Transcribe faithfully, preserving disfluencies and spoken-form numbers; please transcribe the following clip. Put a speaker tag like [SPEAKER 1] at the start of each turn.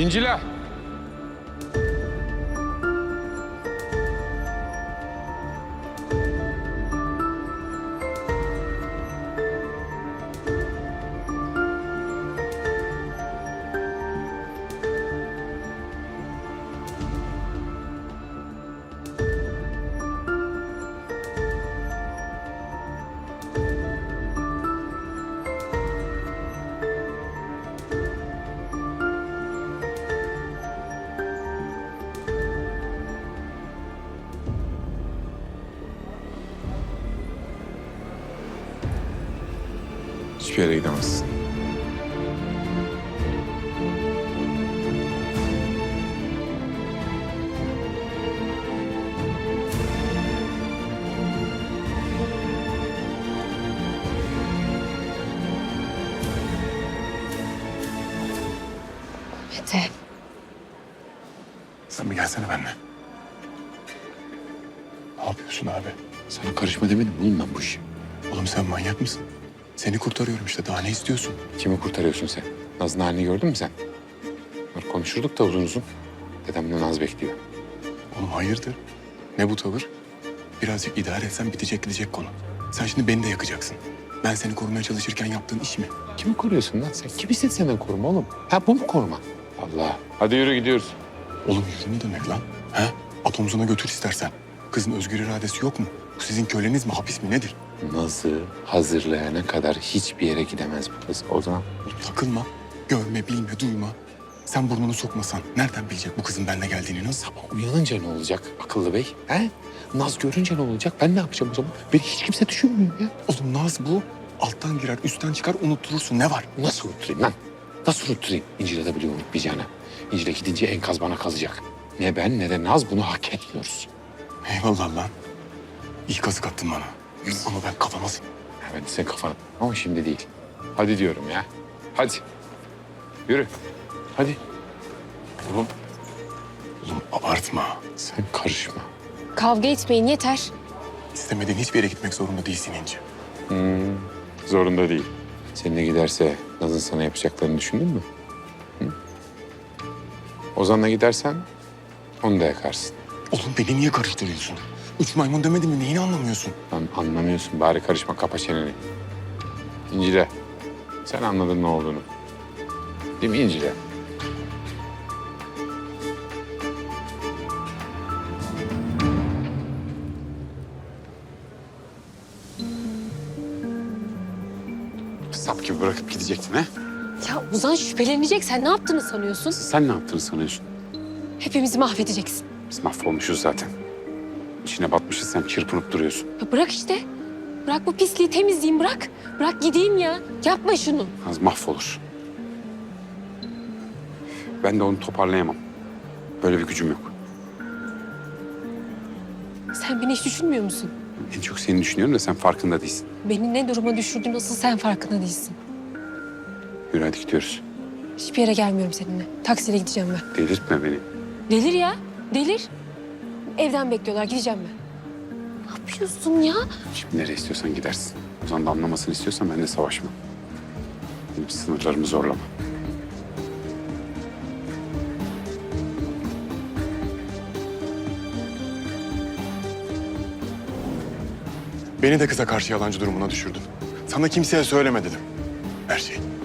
[SPEAKER 1] İncila. Hiçbir yere gidemezsin.
[SPEAKER 2] Mete.
[SPEAKER 3] Sen bir gelsene benimle. Ne yapıyorsun abi?
[SPEAKER 1] Sana karışma demedim mi oğlum ben bu işi?
[SPEAKER 3] Oğlum sen manyak mısın? Seni kurtarıyorum işte. Daha ne istiyorsun?
[SPEAKER 1] Kimi kurtarıyorsun sen? Naz'ın halini gördün mü sen? Bak konuşurduk da uzun uzun. Dedemle Naz bekliyor.
[SPEAKER 3] Oğlum hayırdır? Ne bu tavır? Birazcık idare etsen bitecek gidecek konu. Sen şimdi beni de yakacaksın. Ben seni korumaya çalışırken yaptığın iş mi?
[SPEAKER 1] Kimi koruyorsun lan sen? Kim istedi senden koruma oğlum? Ha bu mu koruma? Allah. Hadi yürü gidiyoruz.
[SPEAKER 3] Oğlum yürü ne demek lan? He? At omzuna götür istersen. Kızın özgür iradesi yok mu? Bu sizin köleniz mi, hapis mi nedir?
[SPEAKER 1] Naz'ı hazırlayana kadar hiçbir yere gidemez bu kız. O zaman
[SPEAKER 3] Oğlum takılma. Görme, bilme, duyma. Sen burnunu sokmasan nereden bilecek bu kızın benimle geldiğini nasıl?
[SPEAKER 1] sabah uyanınca ne olacak akıllı bey? He? Naz görünce ne olacak? Ben ne yapacağım o zaman? Beni hiç kimse düşünmüyor ya.
[SPEAKER 3] Oğlum Naz bu. Alttan girer, üstten çıkar, unutturursun. Ne var?
[SPEAKER 1] Nasıl unutturayım lan? Nasıl unutturayım? İncil'e de biliyor unutmayacağını. İncil'e gidince enkaz bana kalacak. Ne ben ne de Naz bunu hak etmiyoruz.
[SPEAKER 3] Eyvallah lan. İyi kazık attın bana. Ama ben kafama... s-
[SPEAKER 1] Ha, ben de senin kafana. Ama şimdi değil. Hadi diyorum ya. Hadi. Yürü. Hadi. Oğlum
[SPEAKER 3] Oğlum abartma.
[SPEAKER 1] sen karışma.
[SPEAKER 2] Kavga etmeyin yeter.
[SPEAKER 3] İstemediğin hiçbir yere gitmek zorunda değilsin İnci.
[SPEAKER 1] Hmm, zorunda değil. Seninle giderse Naz'ın sana yapacaklarını düşündün mü? Hı? Ozan'la gidersen onu da yakarsın.
[SPEAKER 3] Oğlum beni niye karıştırıyorsun? Üç maymun demedim mi? Neyini anlamıyorsun?
[SPEAKER 1] Lan anlamıyorsun. Bari karışma. Kapa çeneni. İncile. Sen anladın ne olduğunu. Değil mi İncile? Sap gibi bırakıp gidecektin ha?
[SPEAKER 2] Ya Ozan şüphelenecek. Sen ne yaptığını sanıyorsun?
[SPEAKER 1] Sen ne yaptığını sanıyorsun?
[SPEAKER 2] Hepimizi mahvedeceksin.
[SPEAKER 1] Biz mahvolmuşuz zaten. İçine batmışız, sen çırpınıp duruyorsun.
[SPEAKER 2] Ya bırak işte. Bırak bu pisliği temizleyeyim bırak. Bırak gideyim ya. Yapma şunu.
[SPEAKER 1] Az mahvolur. Ben de onu toparlayamam. Böyle bir gücüm yok.
[SPEAKER 2] Sen beni hiç düşünmüyor musun?
[SPEAKER 1] En çok seni düşünüyorum da sen farkında değilsin.
[SPEAKER 2] Beni ne duruma düşürdüğün asıl sen farkında değilsin.
[SPEAKER 1] Yürü hadi gidiyoruz.
[SPEAKER 2] Hiçbir yere gelmiyorum seninle. Taksiyle gideceğim ben.
[SPEAKER 1] Delirtme beni.
[SPEAKER 2] Delir ya. Delir. Evden bekliyorlar. Gideceğim ben. Ne yapıyorsun ya?
[SPEAKER 1] Şimdi nereye istiyorsan gidersin. Ozan da anlamasını istiyorsan ben de savaşmam. Benim sınırlarımı zorlama.
[SPEAKER 3] Beni de kıza karşı yalancı durumuna düşürdün. Sana kimseye söyleme dedim. Her şey.